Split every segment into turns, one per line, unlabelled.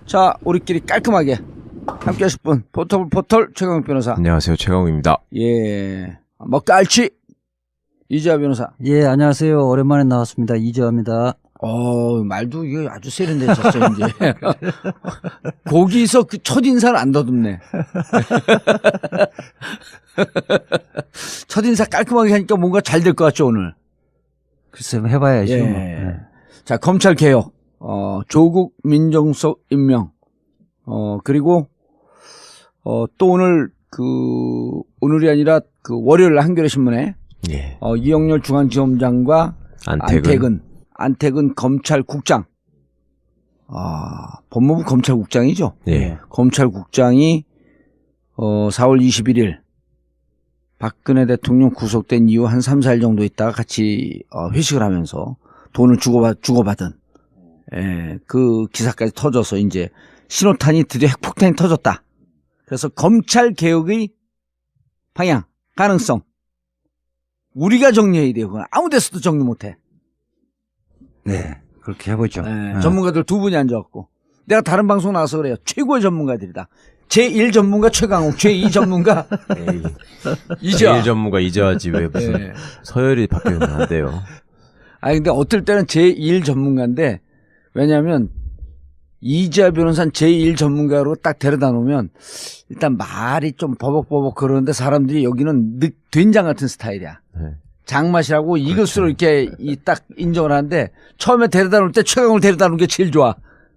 자, 우리끼리 깔끔하게 함께 하실 분, 포털 최강욱 변호사.
안녕하세요, 최강욱입니다.
예. 먹갈치 이재화 변호사.
예, 안녕하세요. 오랜만에 나왔습니다. 이재화입니다.
말도 이게 아주 세련되셨죠, 이제. 거기서 그 첫인사를 안 더듬네. 첫인사 깔끔하게 하니까 뭔가 잘 될 것 같죠, 오늘.
글쎄, 해봐야죠.
예.
네.
자, 검찰 개혁, 조국 민정수석 임명, 그리고, 또 오늘 오늘이 아니라 월요일 한겨레 신문에,
예.
이영렬 중앙지검장과 안태근 검찰국장, 법무부 검찰국장이죠.
예.
검찰국장이 4월 21일 박근혜 대통령 구속된 이후 한 3, 4일 정도 있다가 같이 회식을 하면서 돈을 주고받은 그 기사까지 터져서 이제 신호탄이 드디어 핵폭탄이 터졌다. 그래서 검찰 개혁의 방향, 가능성 우리가 정리해야 돼요. 그건 아무 데서도 정리 못해.
네, 그렇게 해보죠.
네. 전문가들 두 분이 앉아갖고 내가 다른 방송 나와서 그래요. 최고의 전문가들이다. 제1 전문가 최강욱, 제2 전문가 이재화.
제1 전문가 이재화지 왜 무슨
네.
서열이 바뀌면 안 돼요.
아니 근데 어떨 때는 제1 전문가인데 왜냐하면 이재화 변호사는 제1 전문가로 딱 데려다 놓으면 일단 말이 좀 버벅버벅 그러는데 사람들이 여기는 된장 같은 스타일이야.
네.
장맛이라고
그렇죠.
이것으로 이렇게 딱 인정을 하는데 처음에 데려다 놓을 때 최강을 데려다 놓은 게 제일 좋아.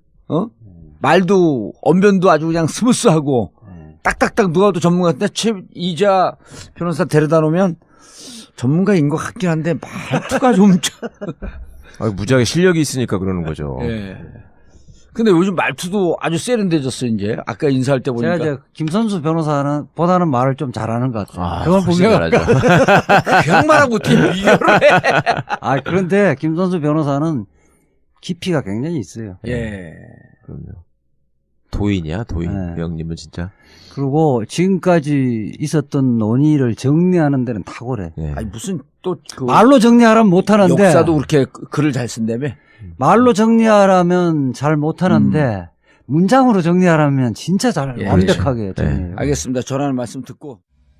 말도 언변도 아주 그냥 스무스하고 딱딱딱 누가 도 전문가 같은데 이재화 변호사 데려다 놓으면 전문가인 것 같긴 한데 말투가 좀
무지하게 실력이 있으니까 그러는 거죠.
예. 근데 요즘 말투도 아주 세련돼졌어 이제. 아까 인사할 때 보니까.
제가 이제 김선수 변호사는 보다는 말을 좀 잘하는 것 같아요.
그걸 보면 그냥 말하고 어떻게 비교를 해.
그런데 김선수 변호사는 깊이가 굉장히 있어요.
예.
그럼요. 도인이야, 도인.
네.
그 형님은 진짜.
그리고 지금까지 있었던 논의를 정리하는 데는 탁월해.
예.
아니 무슨 또
말로 정리하라면 못하는데.
역사도 그렇게 글을 잘 쓴다며.
말로 정리하라면 잘 못하는데 문장으로 정리하라면 진짜 잘 완벽하게 정리해요.
알겠습니다. 저라는 말씀 듣고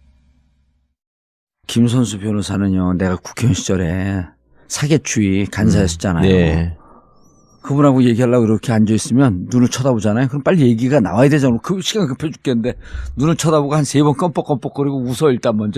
김선수 변호사는요. 내가 국회의원 시절에 사개추위 간사였었잖아요.
네.
그분하고 얘기하려고 이렇게 앉아있으면 눈을 쳐다보잖아요. 그럼 빨리 얘기가 나와야 되잖아. 그 시간 급해 죽겠는데 눈을 쳐다보고 한 3번 껌뻑껌뻑거리고 웃어 일단 먼저.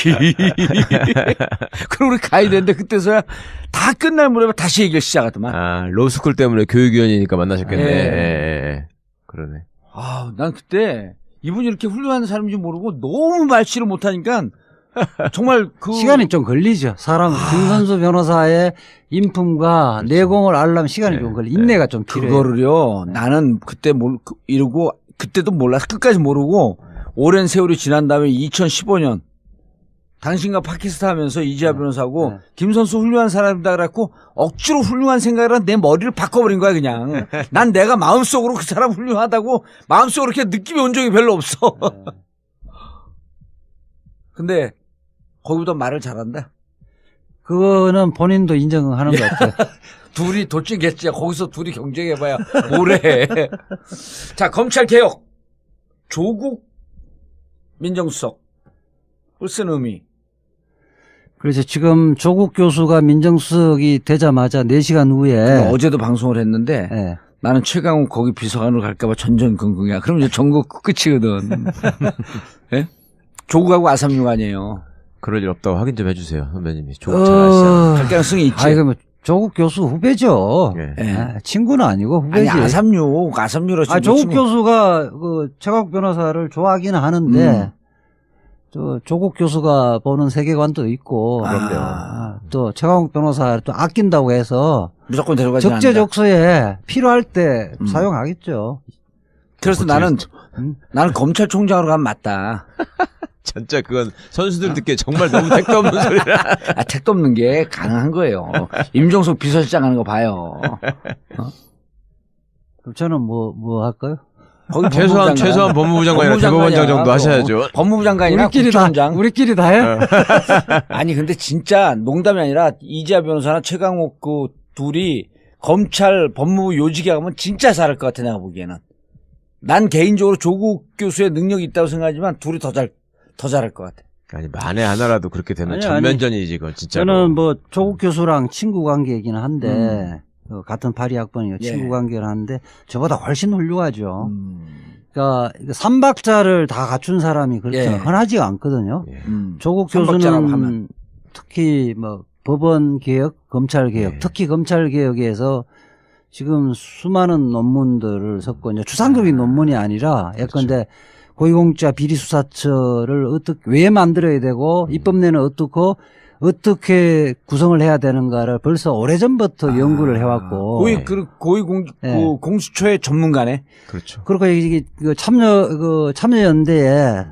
그럼 우리 가야 되는데 그때서야 다 끝날 무렵에 다시 얘기를 시작하더만.
로스쿨 때문에 교육위원이니까 만나셨겠네. 예. 그러네.
난 그때 이분이 이렇게 훌륭한 사람인지 모르고 너무 말씨를 못하니까 정말
시간이 좀 걸리죠. 김선수 변호사의 인품과
그렇죠.
내공을 알려면 시간이 좀 걸려. 인내가 좀 필요해요.
그거를요. 나는 그때 이러고 그때도 몰라서 끝까지 모르고 오랜 세월이 지난 다음에 2015년 당신과 팟캐스트 하면서 이재화 변호사하고 김선수 훌륭한 사람이다 그래갖고 억지로 훌륭한 생각을 한 내 머리를 바꿔버린 거야 그냥. 난 내가 마음속으로 그 사람 훌륭하다고 마음속으로 이렇게 느낌이 온 적이 별로 없어. 근데 거기보다 말을 잘한다.
그거는 본인도 인정하는 것 같아요.
둘이 돌진겠지. 거기서 둘이 경쟁해봐야 뭐래. 자, 검찰 개혁. 조국 민정수석. 쓴 의미.
그래서 지금 조국 교수가 민정수석이 되자마자 4시간 후에
어제도 방송을 했는데 나는 최강욱 거기 비서관으로 갈까봐 전전긍긍이야. 그럼 이제 전국 끝이거든. 예? 조국하고 아삼육 아니에요.
그럴 일 없다고 확인 좀 해주세요, 선배님이. 조국 잘 아시잖아요.
할 가능성이 있지.
그러면 조국 교수 후배죠. 친구는 아니고 후배지.
아니, 아삼육으로
조국 교수가 최강욱 변호사를 좋아하기는 하는데 조국 교수가 보는 세계관도 있고 또 최강욱 변호사 또 아낀다고 해서
무조건 데려가지 않는다.
적재적소에 필요할 때 사용하겠죠.
그래서 나는 검찰총장으로 가면 맞다.
진짜 그건 선수들 듣기에 정말 너무 택도 없는 소리라.
택도 없는 게 가능한 거예요. 임종석 비서실장 하는 거 봐요.
그럼 저는 뭐 할까요?
최소한 법무부 장관이나 대법원장 정도 하셔야죠.
법무부 장관이나 국정원장.
우리끼리 다 해?
아니 근데 진짜 농담이 아니라 이재화 변호사나 최강욱 둘이 검찰 법무부 요직에 가면 진짜 잘할 것 같아 내가 보기에는. 난 개인적으로 조국 교수의 능력이 있다고 생각하지만 둘이 더 잘할 것 같아.
아니 만에 하나라도 그렇게 되면
아니,
전면전이지 그건 진짜로.
저는 뭐 조국 교수랑 친구 관계이긴 한데 같은 파리 학번이고 친구 관계를 하는데 저보다 훨씬 훌륭하죠. 그러니까 삼박자를 다 갖춘 사람이 그렇게 흔하지가 않거든요. 조국 교수는 특히 뭐 법원 개혁, 검찰 개혁, 특히 검찰 개혁에서 지금 수많은 논문들을 썼고 이제 추상적인 논문이 아니라 예컨대 고위공직자 비리수사처를 왜 만들어야 되고 입법내는 어떻게 구성을 해야 되는가를 벌써 오래전부터 연구를 해왔고
공수처의 전문가네.
그렇죠.
그리고 이게 참여연대에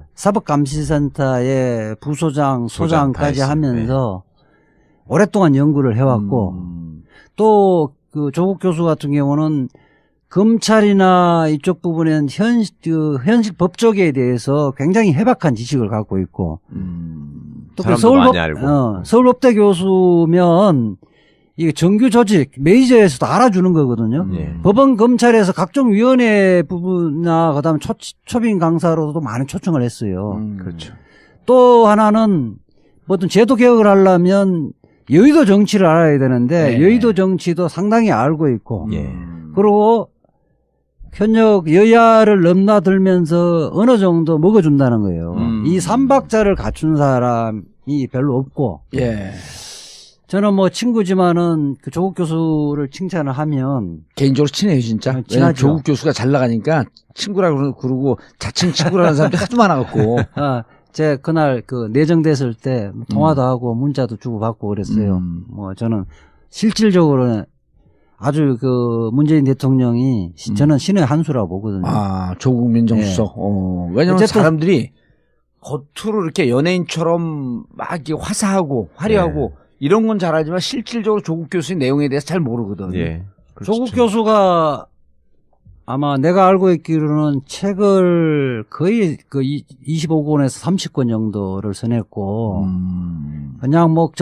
사법감시센터의 부소장, 소장까지 하면서 오랫동안 연구를 해왔고 또 그 조국 교수 같은 경우는 검찰이나 이쪽 부분엔 현실 법조계에 대해서 굉장히 해박한 지식을 갖고 있고 또 그 서울법대 교수면 이게 정규 조직 메이저에서도 알아주는 거거든요. 법원 검찰에서 각종 위원회 부분이나 그다음 초빙 강사로도 많은 초청을 했어요.
그렇죠.
또 하나는 뭐든 제도 개혁을 하려면 여의도 정치를 알아야 되는데 여의도 정치도 상당히 알고 있고 그리고 현역 여야를 넘나들면서 어느 정도 먹어준다는 거예요. 이 삼박자를 갖춘 사람이 별로 없고 저는 뭐 친구지만은 그 조국 교수를 칭찬을 하면
개인적으로 친해요 진짜.
친하죠.
조국 교수가 잘 나가니까 친구라고 그러고 자칭 친구라는 사람들이 하도 많아갖고.
제 그날 그 내정됐을 때 통화도 하고 문자도 주고받고 그랬어요. 뭐 저는 실질적으로는 아주 그 문재인 대통령이 저는 신의 한 수라고 보거든요.
아, 조국 민정수석. 왜냐면 사람들이 겉으로 이렇게 연예인처럼 막 이렇게 화사하고 화려하고 이런 건 잘하지만 실질적으로 조국 교수의 내용에 대해서 잘 모르거든.
조국 교수가 아마 내가 알고 있기로는 책을 거의 그 25권에서 30권 정도를 써냈고 그냥 뭐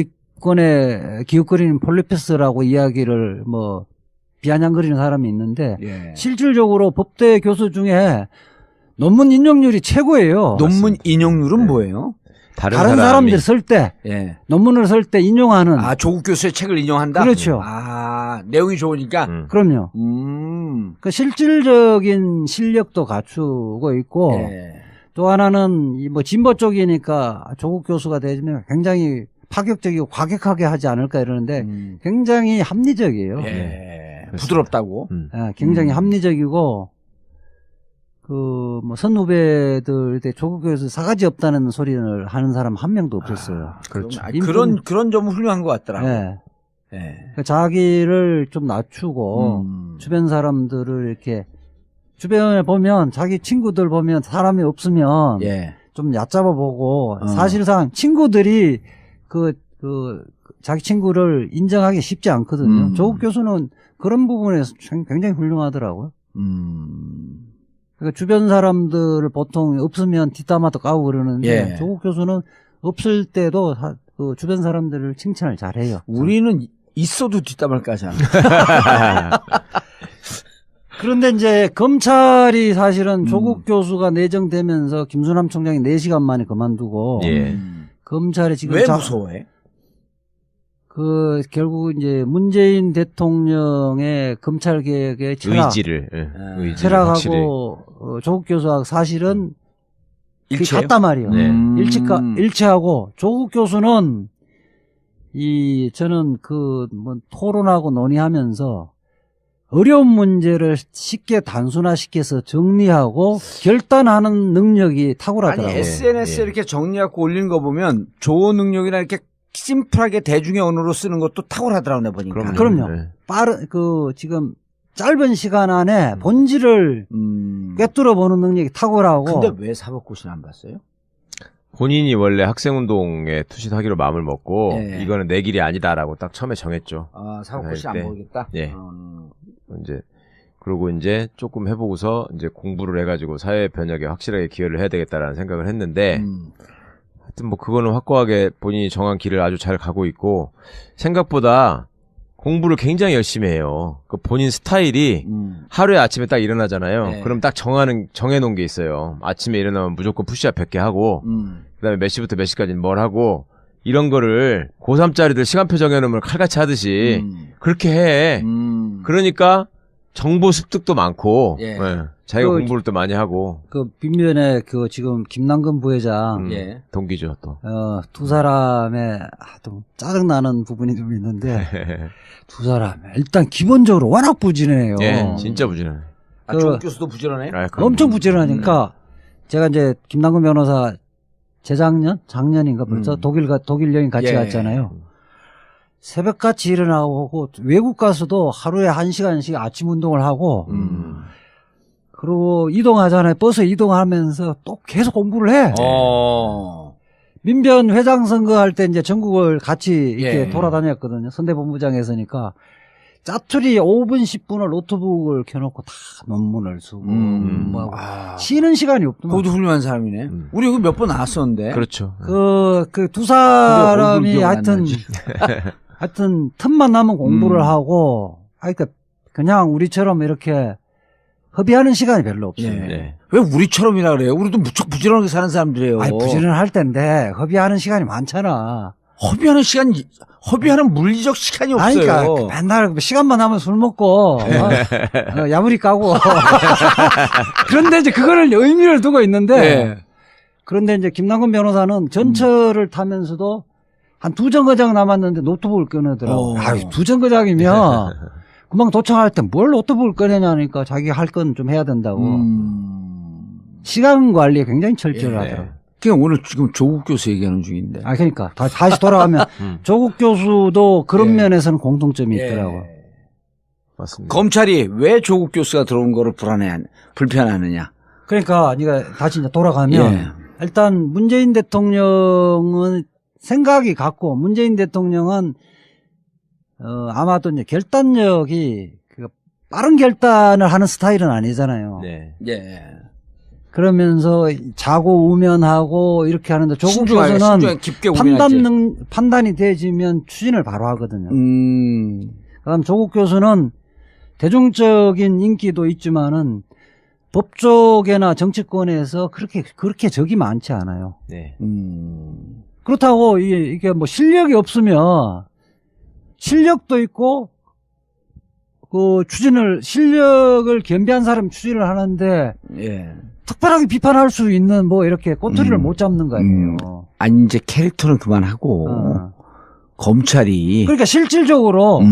정치권에 기웃거리는 폴리페스라고 이야기를 뭐 비아냥거리는 사람이 있는데 실질적으로 법대 교수 중에 논문 인용률이 최고예요.
논문 인용률은 뭐예요?
다른 사람들이 쓸 때 논문을 쓸 때 인용하는.
아, 조국 교수의 책을 인용한다?
그렇죠.
아, 내용이 좋으니까?
그럼요. 그 실질적인 실력도 갖추고 있고 또 하나는 뭐 진보 쪽이니까 조국 교수가 되면 굉장히 파격적이고 과격하게 하지 않을까 이러는데 굉장히 합리적이에요.
부드럽다고?
굉장히 합리적이고 그 뭐 선후배들 때 조국 교수 사가지 없다는 소리를 하는 사람 한 명도 없었어요.
그렇죠. 그런 점은 훌륭한 것 같더라고요.
그러니까 자기를 좀 낮추고 주변 사람들을 이렇게 주변에 보면 자기 친구들 보면 사람이 없으면 좀 얕잡아 보고 사실상 친구들이 자기 친구를 인정하기 쉽지 않거든요. 조국 교수는 그런 부분에서 굉장히 훌륭하더라고요. 그러니까 주변 사람들을 보통 없으면 뒷담화도 까고 그러는데 조국 교수는 없을 때도 그 주변 사람들을 칭찬을 잘해요.
우리는 있어도 뒷담화를 까잖아.
그런데 이제 검찰이 사실은 조국 교수가 내정되면서 김수남 총장이 4시간 만에 그만두고 검찰이 지금
왜 무서워해?
그 결국 이제 문재인 대통령의 검찰 개혁의 철학하고 조국 교수하고 사실은 같단 말이에요. 일치하고 조국 교수는 저는 뭐 토론하고 논의하면서 어려운 문제를 쉽게 단순화시켜서 정리하고 결단하는 능력이 탁월하더라고요.
아니 SNS에 이렇게 정리하고 올리는 거 보면 좋은 능력이나 이렇게 심플하게 대중의 언어로 쓰는 것도 탁월하더라고요, 내가 보니까.
그럼요. 지금 짧은 시간 안에 본질을 꿰뚫어 보는 능력이 탁월하고.
근데 왜 사법고시를 안 봤어요?
본인이 원래 학생운동에 투신하기로 마음을 먹고 이거는 내 길이 아니다라고 딱 처음에 정했죠.
아, 사법고시 안 보겠다?
이제 그러고 이제 조금 해보고서 이제 공부를 해가지고 사회 변혁에 확실하게 기여를 해야 되겠다라는 생각을 했는데 하여튼 뭐 그거는 확고하게 본인이 정한 길을 아주 잘 가고 있고 생각보다 공부를 굉장히 열심히 해요. 그 본인 스타일이 하루에 아침에 딱 일어나잖아요.
네.
그럼 딱 정해놓은 게 있어요. 아침에 일어나면 무조건 푸시업 100개 하고, 그다음에 몇 시부터 몇 시까지는 뭘 하고, 이런 거를 고3짜리들 시간표 정해놓으면 칼같이 하듯이 그렇게 해. 그러니까 정보 습득도 많고,
예.
예. 자기가
그
공부를 또 많이 하고,
그 빈면에 그 지금 김남근 부회장
예.
동기죠 또.
두 사람의 좀 짜증나는 부분이 좀 있는데 두 사람 일단 기본적으로 워낙 부지런해요.
예, 진짜 부지런해.
아, 조국 교수도 부지런해?
아, 그럼
엄청 부지런하니까 제가 이제 김남근 변호사 작년인가 벌써 독일 여행 같이
예.
갔잖아요. 새벽같이 일어나고 외국 가서도 하루에 1시간씩 아침 운동을 하고 그리고 이동하잖아요. 버스 이동하면서 또 계속 공부를 해. 민변 회장 선거할 때 이제 전국을 같이 이렇게
예.
돌아다녔거든요. 선대본부장에서니까 짜투리 5분 10분을 노트북을 켜놓고 다 논문을 쓰고 뭐 하고
아.
쉬는 시간이 없더만.
그것도 훌륭한 사람이네. 우리 여기 몇 번 나왔었는데.
그렇죠.
그 두
근데
사람이
얼굴 기억 안
하여튼
나지.
하여튼 틈만 나면 공부를 하고 그러니까 그냥 우리처럼 이렇게 허비하는 시간이 별로 없어요.
예.
네.
왜 우리처럼이라 그래요? 우리도 무척 부지런하게 사는 사람들이에요.
아니 부지런할 텐데 허비하는 시간이 많잖아.
허비하는 물리적 시간이
아니,
없어요.
그러니까 맨날 시간만 하면 술 먹고 야무리 까고 그런데 이제 그거를 의미를 두고 있는데
예.
그런데 이제 김남근 변호사는 전철을 타면서도 한 2정거장 남았는데 노트북을 꺼내더라고. 아유 2정거장이면 금방 도착할 때 뭘 노트북을 꺼내냐니까 자기가 할 건 좀 해야 된다고. 시간 관리에 굉장히 철저하더라고.
그냥 오늘 지금 조국 교수 얘기하는 중인데.
아, 그러니까 다시 돌아가면 조국 교수도 그런
예.
면에서는 공통점이 있더라고.
맞습니다.
검찰이 왜 조국 교수가 들어온 거를 불편하느냐.
그러니까 네가 다시 이제 돌아가면
예.
일단 문재인 대통령은 생각이 같고 문재인 대통령은 아마도 이제 결단력이 빠른 결단을 하는 스타일은 아니잖아요.
네.
예.
그러면서 자고 우면하고 이렇게 하는데 조국 교수는
깊게 고민하지.
판단이 되지면 추진을 바로 하거든요. 그다음 조국 교수는 대중적인 인기도 있지만은 법조계나 정치권에서 그렇게 적이 많지 않아요.
네.
그렇다고 이게 뭐 실력이 없으면 실력도 있고 그 실력을 겸비한 사람이 추진을 하는데
예.
특별하게 비판할 수 있는 뭐 이렇게 꼬투리를 못 잡는 거 아니에요.
아니 이제 캐릭터는 그만하고 검찰이
그러니까 실질적으로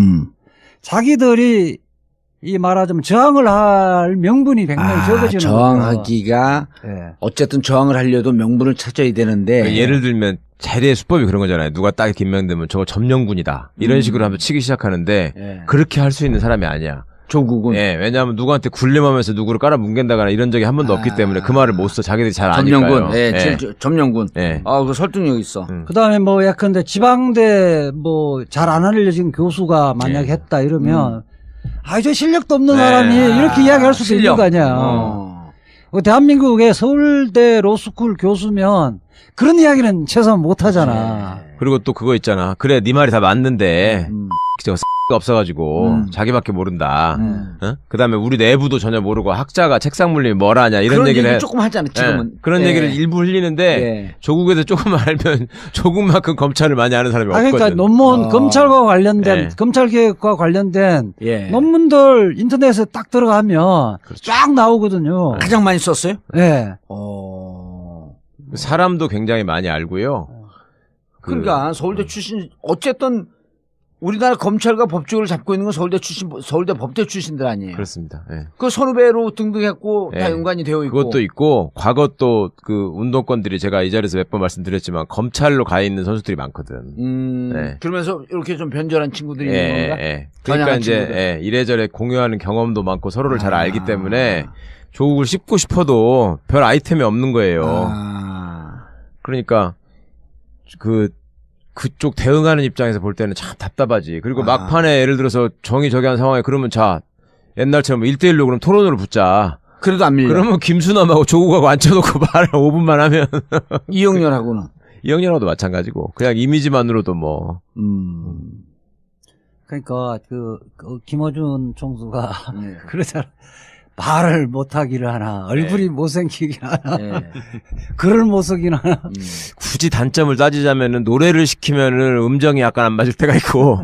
자기들이 이 말하자면 저항을 할 명분이 굉장히 적어지는
저항하기가
예.
어쨌든 저항을 하려도 명분을 찾아야 되는데
그러니까 예를 들면 자리의 수법이 그런 거잖아요. 누가 딱 김명되면 저거 점령군이다. 이런 식으로 하면 치기 시작하는데
예.
그렇게 할 수 있는 사람이 아니야.
조국은
예, 왜냐하면 누구한테 굴림하면서 누구를 깔아 뭉갠다거나 이런 적이 한 번도 없기 때문에 그 말을 못 써. 자기들이 잘 아니까요.
점령군, 점령군.
예.
그 설득력 있어.
그다음에 뭐 약간데 지방대 뭐 잘 안 알려진 교수가 만약에 했다 이러면 저 실력도 없는 사람이 이렇게 이야기할 수도 있는 거 아니야. 대한민국의 서울대 로스쿨 교수면 그런 이야기는 최소한 못 하잖아.
그리고 또 그거 있잖아. 그래, 네 말이 다 맞는데 저거 X가 없어가지고 자기밖에 모른다. 어? 그다음에 우리 내부도 전혀 모르고 학자가 책상 물림이 뭘 하냐 이런
그런
얘기를
얘기 조금 하잖아 지금은.
그런 얘기를 일부 흘리는데 조국에서 조금 알면 조국만큼 검찰을 많이 아는 사람이 없거든.
그러니까 논문 검찰과 관련된 검찰 개혁과 관련된 논문들 인터넷에 딱 들어가면 쫙 나오거든요.
가장 많이 썼어요?
네.
사람도 굉장히 많이 알고요.
그러니까 서울대 출신 어쨌든 우리나라 검찰과 법조를 잡고 있는 건 서울대 법대 출신들 아니에요.
그렇습니다. 예.
그 선후배로 등등했고 다 연관이 되어 있고.
그것도 있고 과거 또 그 운동권들이 제가 이 자리에서 몇 번 말씀드렸지만 검찰로 가 있는 선수들이 많거든.
그러면서 이렇게 좀 변절한 친구들이 있는 건가?
그러니까 이제 이래저래 공유하는 경험도 많고 서로를 잘 알기 때문에 조국을 씹고 싶어도 별 아이템이 없는 거예요. 그러니까 그쪽 대응하는 입장에서 볼 때는 참 답답하지. 그리고 막판에 예를 들어서 정의 저기 한 상황에 그러면 자, 옛날처럼 1대1로 그럼 토론으로 붙자.
그래도 안 밀려.
그러면 김수남하고 조국하고 앉혀놓고 말을 5분만 하면.
이영렬하고는.
이영렬하고도 마찬가지고. 그냥 이미지만으로도 뭐.
그러니까 김어준 총수가 그러잖아. 말을 못하기를 하나, 얼굴이 못생기긴 하나, 글을 못 쓰긴 하나.
굳이 단점을 따지자면은 노래를 시키면은 음정이 약간 안 맞을 때가 있고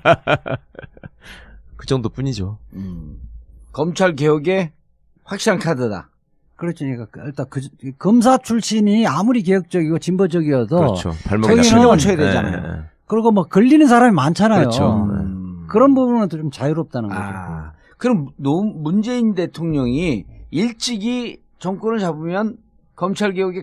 그 정도뿐이죠.
검찰 개혁의 확실한 카드다.
그렇죠. 그러니까 일단 검사 출신이 아무리 개혁적이고 진보적이어도
그렇죠. 발목이
저기는
신경을 쳐야 되잖아요.
그리고 뭐 걸리는 사람이 많잖아요.
그렇죠.
그런 부분은 좀 자유롭다는 거죠.
그럼 문재인 대통령이 일찍이 정권을 잡으면 검찰 개혁의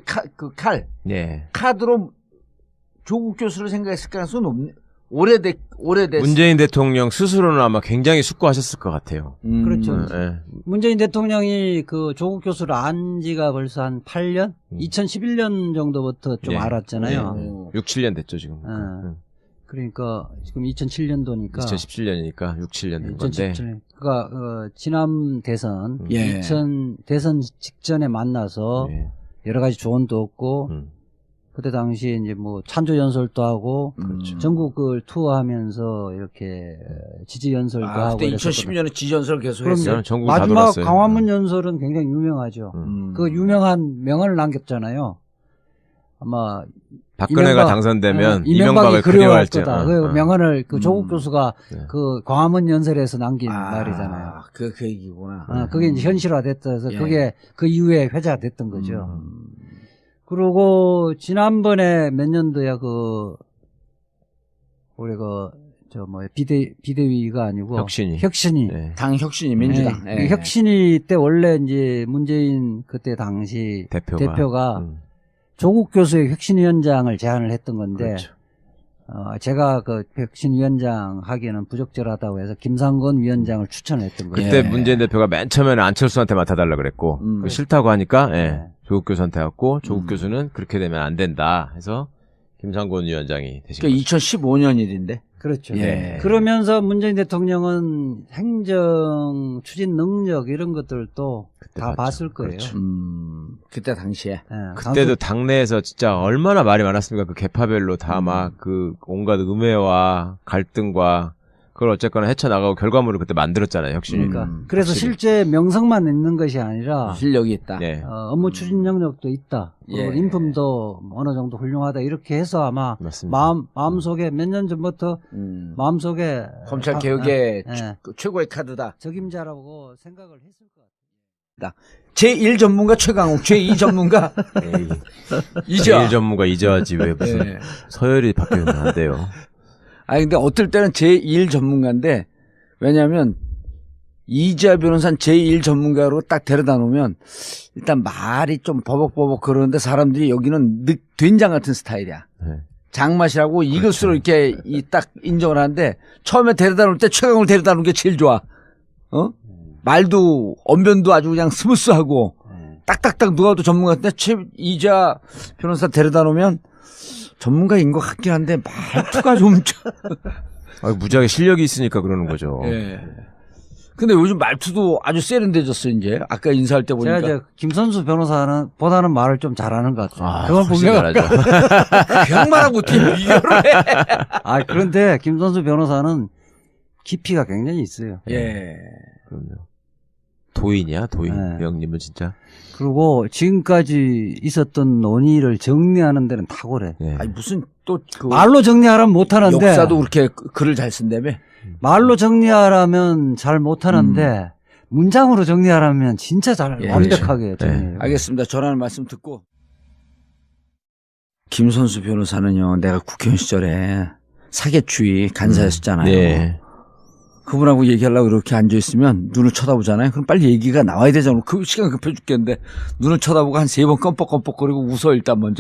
카드로 조국 교수를 생각했을 가능성은 없네. 오래됐.
문재인 대통령 스스로는 아마 굉장히 숙고하셨을 것 같아요.
그렇죠. 문재인 대통령이 그 조국 교수를 안 지가 벌써 한 8년? 2011년 정도부터 좀 알았잖아요.
6, 7년 됐죠, 지금.
그러니까 지금 2007년도니까
2017년이니까 6, 7년 된 건데.
2017년. 그러니까 지난 대선, 대선 직전에 만나서 여러 가지 조언도 얻고 그때 당시에 이제 뭐 찬조 연설도 하고 전국을 투어하면서 이렇게 지지 연설도 하고.
그때 2012년에 지지 연설 계속 했어요.
마지막 광화문 연설은 굉장히 유명하죠. 그 유명한 명언을 남겼잖아요. 아마
박근혜가 당선되면
이명박이 그리워할 거다. 그 명언을 그 조국 교수가 그 광화문 연설에서 남긴 말이잖아요.
그 얘기구나.
그게 이제 현실화됐어서 그게 그 이후에 회자됐던 거죠. 그리고 지난번에 몇 년도야 우리 비대위가 아니고 혁신이.
당 혁신이 민주당.
혁신이 때 원래 이제 문재인 그때 당시 대표가 조국 교수의 혁신위원장을 제안을 했던 건데, 제가 그 혁신위원장 하기에는 부적절하다고 해서 김상곤 위원장을 추천했던 거예요.
그때 문재인 대표가 맨 처음에는 안철수한테 맡아달라 그랬고, 싫다고 하니까, 조국 교수한테 왔고, 조국 교수는 그렇게 되면 안 된다 해서, 김상곤 위원장이 되신 거죠.
2015년 일인데.
그렇죠. 그러면서 문재인 대통령은 행정 추진 능력 이런 것들도 다 봤을 거예요.
그렇죠.
그때 당시에.
그때도 당내에서 진짜 얼마나 말이 많았습니까? 그 계파별로 다 막 그 온갖 음해와 갈등과 그걸 어쨌거나 헤쳐나가고 결과물을 그때 만들었잖아요, 혁신이.
그래서 확실히. 실제 명성만 있는 것이 아니라
실력이 있다.
업무 추진 능력도 있다. 그리고 인품도 어느 정도 훌륭하다. 이렇게 해서 아마 마음속에 몇 년 전부터 마음속에
검찰 개혁의 최고의 카드다.
적임자라고 생각을 했을 것 같아요.
제1 전문가 최강욱, 제2 전문가
제1 전문가 이재화지 왜 무슨 서열이 바뀌면 안 돼요.
근데 어떨 때는 제1 전문가인데, 왜냐면, 이재화 변호사는 제1 전문가로 딱 데려다 놓으면, 일단 말이 좀 버벅버벅 그러는데 사람들이 여기는 된장 같은 스타일이야. 장맛이라고 이것으로 이렇게 딱 인정을 하는데, 처음에 데려다 놓을 때 최강을 데려다 놓은 게 제일 좋아. 말도, 언변도 아주 그냥 스무스하고, 딱딱딱 누가 도 전문가 같은데, 이재화 변호사 데려다 놓으면, 전문가인 것 같긴 한데 말투가 좀
무지하게 실력이 있으니까 그러는 거죠.
근데 요즘 말투도 아주 세련돼졌어 이제. 아까 인사할 때 보니까.
제가 이제 김선수 변호사는 보다는 말을 좀 잘하는 것 같아요. 그건
분명하죠.
그냥 말하고 어떻게 비교를 해?
그런데 김선수 변호사는 깊이가 굉장히 있어요.
그럼요. 도인이야, 도인. 형님은 진짜.
그리고 지금까지 있었던 논의를 정리하는 데는 탁월해.
무슨 또
말로 정리하라면 못하는데.
역사도 그렇게 글을 잘 쓴다며?
말로 정리하라면 잘 못하는데 문장으로 정리하라면 진짜 잘 완벽하게 정리해요.
알겠습니다. 전하는 말씀 듣고. 김선수 변호사는요, 내가 국회의원 시절에 사개추위 간사였었잖아요. 그분하고 얘기하려고 이렇게 앉아있으면 눈을 쳐다보잖아요. 그럼 빨리 얘기가 나와야 되잖아. 그 시간 급해 죽겠는데 눈을 쳐다보고 한 3번 껌뻑껌뻑거리고 웃어 일단 먼저.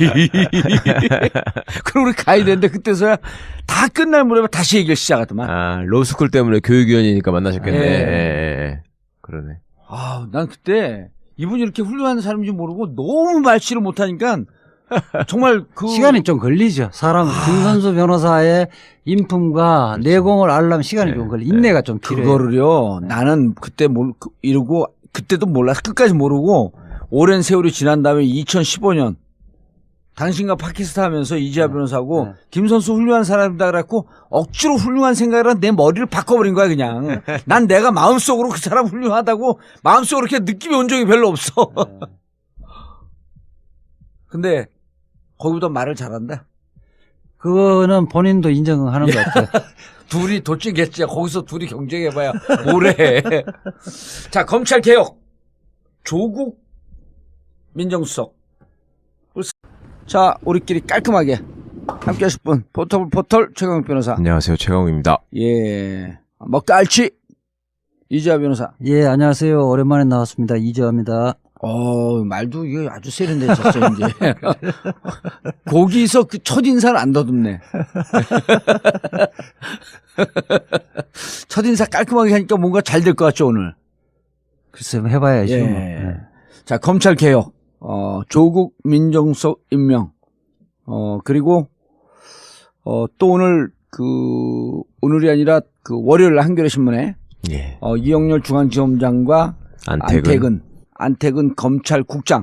그럼 우리 가야 되는데 그때서야 다 끝날 무렵에 다시 얘기를 시작하더만.
로스쿨 때문에 교육위원이니까 만나셨겠네. 그러네.
난 그때 이분이 이렇게 훌륭한 사람인지 모르고 너무 말씨를 못하니까 정말
시간이 좀 걸리죠. 김선수 변호사의 인품과 내공을 알려면 시간이 좀 걸려. 인내가 좀 필요해요.
그거를요. 나는 그때 이러고 그때도 몰라. 끝까지 모르고 오랜 세월이 지난 다음에 2015년 당신과 팟캐스트 하면서 이지아 변호사하고
네.
김선수 훌륭한 사람이다 그래갖고 억지로 훌륭한 생각을 한 내 머리를 바꿔버린 거야 그냥. 난 내가 마음속으로 그 사람 훌륭하다고 마음속으로 이렇게 느낌이 온 적이 별로 없어.
네.
근데 거기보다 말을 잘한다.
그거는 본인도 인정하는 것 같아요.
둘이 도찐겠지. 거기서 둘이 경쟁해봐야 뭐래. 자, 검찰 개혁. 조국 민정수석. 자, 우리끼리 깔끔하게 함께 하실 분. 포털 최강욱 변호사.
안녕하세요. 최강욱입니다.
예. 먹다 알치. 이지아 변호사.
예, 안녕하세요. 오랜만에 나왔습니다. 이지아입니다.
말도 이게 아주 세련되셨죠, 이제. 거기서 그 첫인사를 안 더듬네. 첫인사 깔끔하게 하니까 뭔가 잘 될 것 같죠, 오늘.
글쎄, 해봐야죠.
예.
네.
자, 검찰 개혁, 조국 민정수석 임명, 그리고, 또 오늘, 오늘이 아니라 월요일 한겨레 신문에,
예.
이영렬 중앙지검장과 안태근 검찰국장,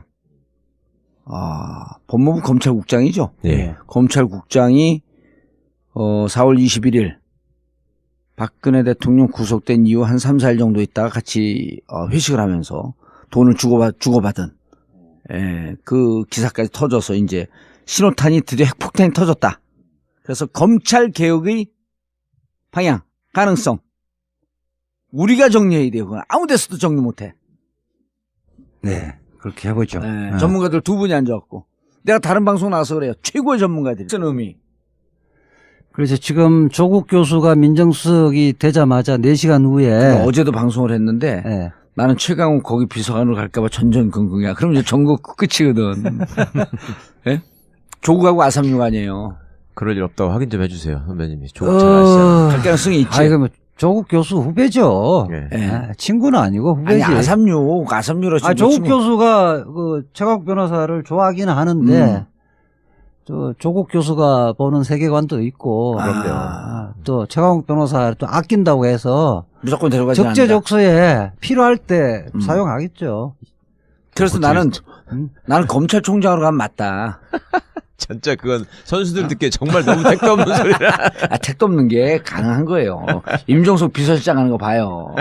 법무부 검찰국장이죠.
예.
검찰국장이 4월 21일 박근혜 대통령 구속된 이후 한 3, 4일 정도 있다가 같이 회식을 하면서 돈을 주고받은 그 기사까지 터져서 이제 신호탄이 드디어 핵폭탄이 터졌다. 그래서 검찰 개혁의 방향, 가능성 우리가 정리해야 돼요. 그건 아무 데서도 정리 못해.
네. 그렇게 해보죠.
네. 전문가들 두 분이 앉아갖고 내가 다른 방송 나와서 그래요. 최고의 전문가들이 쓴 의미.
그래서 지금 조국 교수가 민정수석이 되자마자 4시간 후에
어제도 방송을 했는데
네.
나는 최강욱 거기 비서관으로 갈까봐 전전긍긍이야. 그럼 이제 전국 끝이거든. 네? 조국하고 아삼육 아니에요.
그럴 일 없다고 확인 좀 해주세요. 선배님이. 조국 잘 아시잖아요.
갈 가능성이 있지.
아니, 그러면 조국 교수 후배죠.
예.
예.
친구는 아니고
아니
후배지.
아삼육으로
조국 교수가 최강욱 변호사를 좋아하기는 하는데 조국 교수가 보는 세계관도 있고 또 최강욱 변호사 또 아낀다고 해서
무조건 데려가지 않는다.
적재적소에 필요할 때 사용하겠죠.
그래서 나는 검찰총장으로 가면 맞다.
진짜 그건 선수들 듣기에 정말 너무 택도 없는 소리라.
택도 없는 게 가능한 거예요. 임종석 비서실장 하는 거 봐요.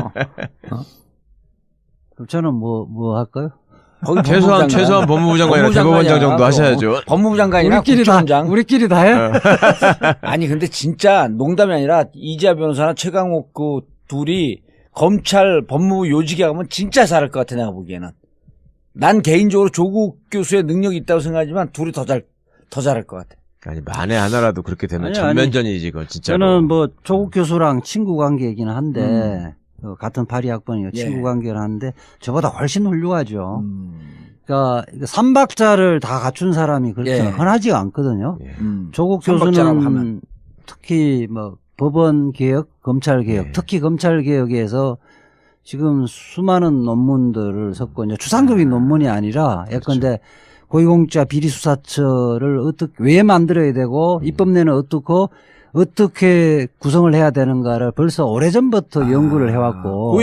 그럼 저는 뭐 할까요?
거기
최소한 법무부 장관이나 대법원장 정도 하셔야죠.
법무부 장관이나 국정원장.
우리끼리 다 해?
아니 근데 진짜 농담이 아니라 이지아 변호사나 최강욱 그 둘이 검찰 법무부 요직에 가면 진짜 잘할 것 같아 내가 보기에는. 난 개인적으로 조국 교수의 능력이 있다고 생각하지만 둘이 더 잘할 것 같아.
아니 만에 하나라도 그렇게 되면 전면전이지 그건 진짜로.
저는 조국 교수랑 친구 관계이긴 한데 같은 파리 학번이요. 친구 관계를 하는데 저보다 훨씬 훌륭하죠. 그러니까 삼박자를 다 갖춘 사람이 그렇게 흔하지가 않거든요. 조국 교수는 특히 법원 개혁, 검찰 개혁, 특히 검찰 개혁에서 지금 수많은 논문들을 썼고 이제 추상적인 논문이 아니라 예컨대 고위공직자 비리수사처를 왜 만들어야 되고 입법내는 어떻게 구성을 해야 되는가를 벌써 오래전부터 연구를 해왔고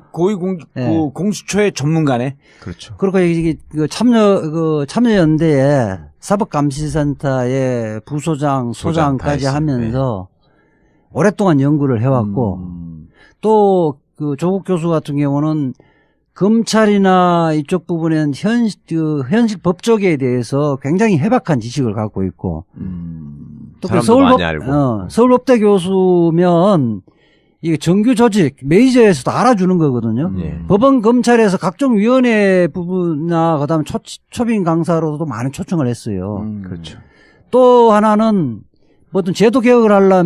공수처의 전문가네.
그렇죠.
그리고 이게 참여연대에 사법감시센터의 부소장, 소장까지 하면서 오랫동안 연구를 해왔고 또 조국 교수 같은 경우는 검찰이나 이쪽 부분에는 현실 법조계에 대해서 굉장히 해박한 지식을 갖고 있고 또 서울법대 교수면 이게 정규 조직 메이저에서도 알아주는 거거든요. 법원 검찰에서 각종 위원회 부분이나 그다음에 초빙 강사로도 많은 초청을 했어요.
그렇죠.
또 하나는 어떤 제도 개혁을 하려면